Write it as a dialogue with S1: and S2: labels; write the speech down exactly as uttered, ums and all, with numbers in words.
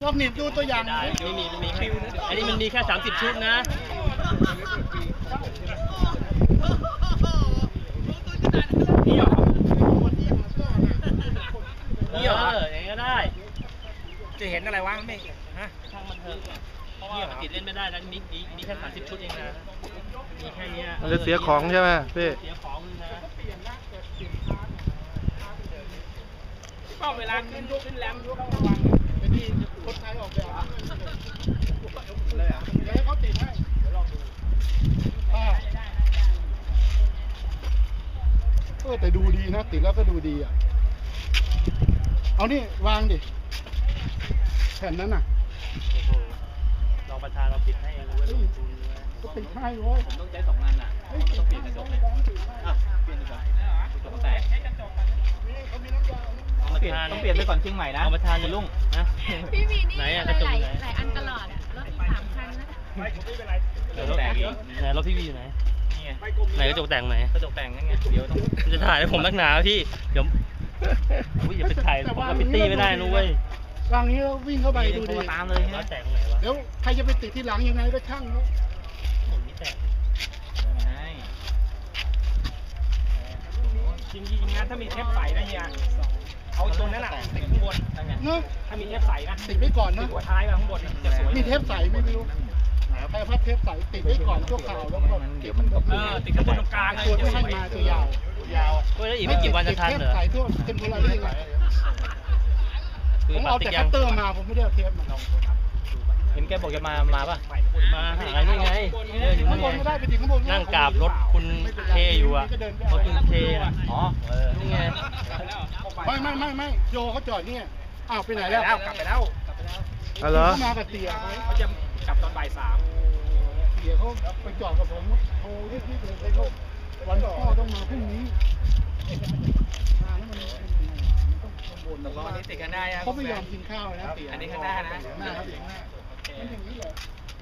S1: ลองหนีบดูตัวอย่างได้
S2: ไม่มีมีแค่อันนี้มันมีแค่สามสิบชุดนะนี่เหรอนี่เหรออย่างนี้ก็ได้
S3: จะเห็นอะไรวะไม่ฮะ
S2: ช่างมันเถอะเพราะว่าติดเล่นไม่ได้แล้วมีมีมีแค่สามสิบชุดเองนะมีแค่นี้
S4: มันจะเสียของใช่ไหมพี่
S2: เสียของนะ
S3: ก็เวลาขึ้นขึ้นแรมต้อง
S1: ระวังไอ้นี่คนไทยออกแบบเลยอ่ะเดี๋ยวให้เขาติดให้เดี๋ยวลองดูเออแต่ดูดีนะติดแล้วก็ดูดีอ่ะเอานี่วางดิแผ่นนั้นน่ะ
S2: รองประธานเราปิดให้เองเลย
S1: ก็ติดให้เว้ย
S3: ผมต้องใช้สองอันอ่ะต้องเปลี่ยนกระจกเลยอ่ะเปลี่ยนดีกว่ากระจกแตกต้องเปลี่ยนต้องเปลี่ยนไปก่อนเชียงใหม่นะ
S2: รองประธานจะลุ่งนะ
S5: พี่วีนี่อะไรหลายหลายอันตลอดอ่ะรถมีสามคันนะ
S2: กระจกแตกอีกไหนรถพี่วีอยู่ไหนนี่ไงไหนกระจกแต่งไหน
S3: กระจกแต่งนั่นไงเดี๋ยวต้อง
S2: จะถ่ายให้ผมนักหนาพี่เดี๋ยวอุ้ยอย่าไปถ่ายผมกับพิตตี้ไม่ได้นุ้ยว
S1: างนี้แล้ววิ่งเข้าไปดูดิ
S3: ตามเลย
S2: รถแต่งไหนวะ
S1: เดี๋ยวใครจะไปติดที่หลังยังไงก็ช่างเขา
S2: ผมนี่แต่ง
S3: จริงจริงงานถ้ามีเทปใสนะเฮียเอาตัวนั้นแหละติดข้างบน
S1: เนอะ
S3: ถ้ามีเทปใสนะ
S1: ติดไว้ก่อนนะ
S3: ติดหัวท้ายมาข้างบนจะสวย
S1: มีเทปใสไม่รู้ใครพัดเทปใสติดไว้ก่อนชั่วคราวแล้วก็
S3: เดี๋ยวมันเออติดข้างบนตรงกลาง
S1: ตัวที่ให้มาตัวยาวยาว
S2: เฮ้ยแล้วอีกไม่กี่วันจะทันเหรอ
S1: เทปใสทั่วเทมโพลารี่ไงผมเอาแต่คัตเตอร์มาผมไม่ได้เอาเทปมา
S3: เห็นแกบอกจะมามาป่ะ
S2: มาหาอะไรนี่ไงเดินอยู่
S1: ข้างบนก็ได้ไปถึงข้างบน
S2: นั่งกราบรถคุณเคอยู่อ่ะรถคุณเคนะ
S3: อ๋อเออ
S2: นี่ไง
S1: ไม่ไม่ไม่ไม่โยเขาจอดนี่อ้าวไปไหนแล้ว
S3: กลับไปแล้ว
S4: อ๋อเหรอ
S1: เขามากับเตี๋ย
S3: เขาจะกลับตอนบ่ายสาม
S1: เตี๋ยเขาไปจอดกับผมโทรรีบๆเลยเขาวันพ่อต้องมาพรุ่งนี้มาแล้วมัน
S3: ตกลงอันนี้ติดกันได้
S1: เขาไม่ยอมกินข้าวนะ
S3: อันนี้ข้างหน้านะ
S1: หน้าครับอย่างหน้ามันอย่างนี้เหรอ